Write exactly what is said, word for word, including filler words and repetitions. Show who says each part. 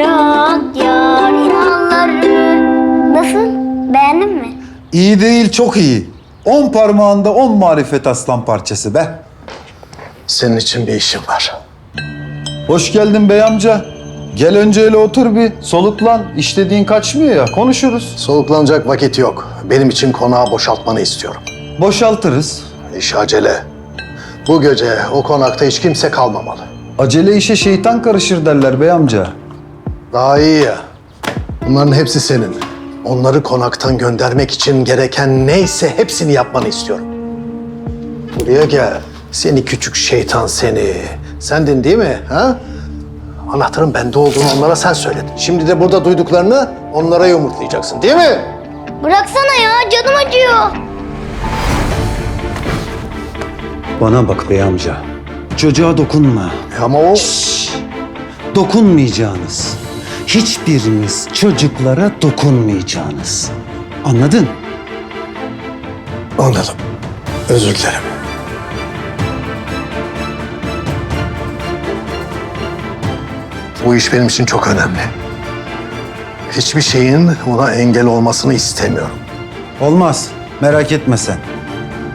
Speaker 1: bırak yar inanları. Nasıl? Beğendin mi?
Speaker 2: İyi değil, çok iyi. On parmağında on marifet aslan parçası be.
Speaker 3: Senin için bir işim var.
Speaker 2: Hoş geldin bey amca. Gel önce hele otur bir, soluklan. İşlediğin kaçmıyor ya, konuşuruz.
Speaker 3: Soluklanacak vakit yok. Benim için konağı boşaltmanı istiyorum.
Speaker 2: Boşaltırız.
Speaker 3: İş acele. Bu gece o konakta hiç kimse kalmamalı.
Speaker 2: Acele işe şeytan karışır derler bey amca.
Speaker 3: Daha iyi ya. Bunların hepsi senin. Onları konaktan göndermek için gereken neyse hepsini yapmanı istiyorum. Buraya gel. Seni küçük şeytan seni. Sendin değil mi? Ha? Anahtarın bende olduğunu onlara sen söyledin. Şimdi de burada duyduklarını onlara yumurtlayacaksın değil mi?
Speaker 1: Bıraksana ya canım acıyor.
Speaker 2: Bana bak bey amca. Çocuğa dokunma.
Speaker 3: E ama o...
Speaker 2: Dokunmayacağınız. Hiçbiriniz çocuklara dokunmayacağınız. Anladın?
Speaker 3: Anladım. Özür dilerim. Bu iş benim için çok önemli. Hiçbir şeyin ona engel olmasını istemiyorum.
Speaker 2: Olmaz. Merak etme sen.